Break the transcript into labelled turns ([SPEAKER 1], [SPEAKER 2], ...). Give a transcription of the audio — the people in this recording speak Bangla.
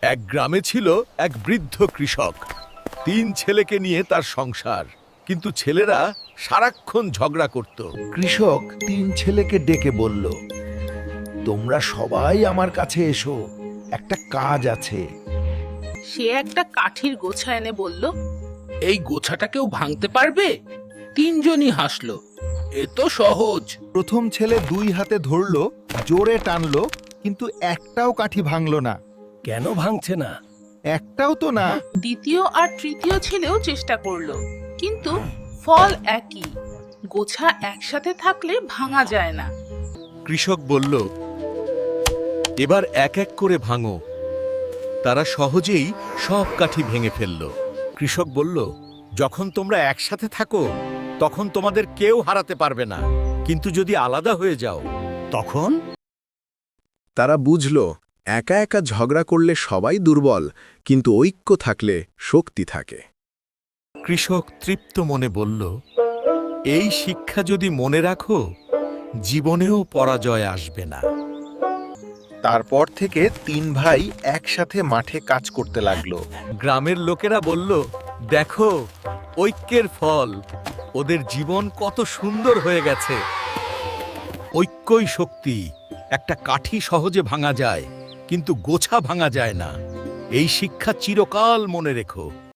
[SPEAKER 1] এক গ্রামে ছিল এক বৃদ্ধ কৃষক। 3 ছেলেকে নিয়ে তার সংসার, কিন্তু ছেলেরা সারাক্ষণ ঝগড়া করত।
[SPEAKER 2] কৃষক 3 ছেলেকে ডেকে বলল, তোমরা সবাই আমার কাছে এসো, একটা কাজ আছে।
[SPEAKER 3] সে একটা কাঠির গোছা এনে বলল,
[SPEAKER 4] এই গোছাটা কেউ ভাঙতে পারবে? 3জনই হাসলো। এ তো সহজ।
[SPEAKER 2] প্রথম ছেলে 2 হাতে ধরলো, জোরে টানলো, কিন্তু একটাও কাঠি ভাঙলো না।
[SPEAKER 5] কেন ভাঙছে না?
[SPEAKER 2] একটাও তো না।
[SPEAKER 3] দ্বিতীয় আর তৃতীয় ছেলেও চেষ্টা করলো, কিন্তু ফল একই। গোছা একসাথে থাকলে ভাঙা যায় না।
[SPEAKER 1] কৃষক বলল, এবার এক এক করে ভাঙো। তারা সহজেই সব কাঠি ভেঙে ফেলল। কৃষক বলল, যখন তোমরা একসাথে থাকো তখন তোমাদের কেউ হারাতে পারবে না, কিন্তু যদি আলাদা হয়ে যাও তখন।
[SPEAKER 6] তারা বুঝল, একা একা ঝগড়া করলে সবাই দুর্বল, কিন্তু ঐক্য থাকলে শক্তি থাকে।
[SPEAKER 1] কৃষক তৃপ্ত মনে বলল, এই শিক্ষা যদি মনে রাখো, জীবনেও পরাজয় আসবে না।
[SPEAKER 2] তারপর থেকে 3 ভাই একসাথে মাঠে কাজ করতে লাগলো।
[SPEAKER 1] গ্রামের লোকেরা বলল, দেখো ঐক্যের ফল, ওদের জীবন কত সুন্দর হয়ে গেছে। ঐক্যই শক্তি। একটা কাঠি সহজে ভাঙা যায়, কিন্তু গোছা ভাঙা যায় না। এই শিক্ষা চিরকাল মনে রেখো।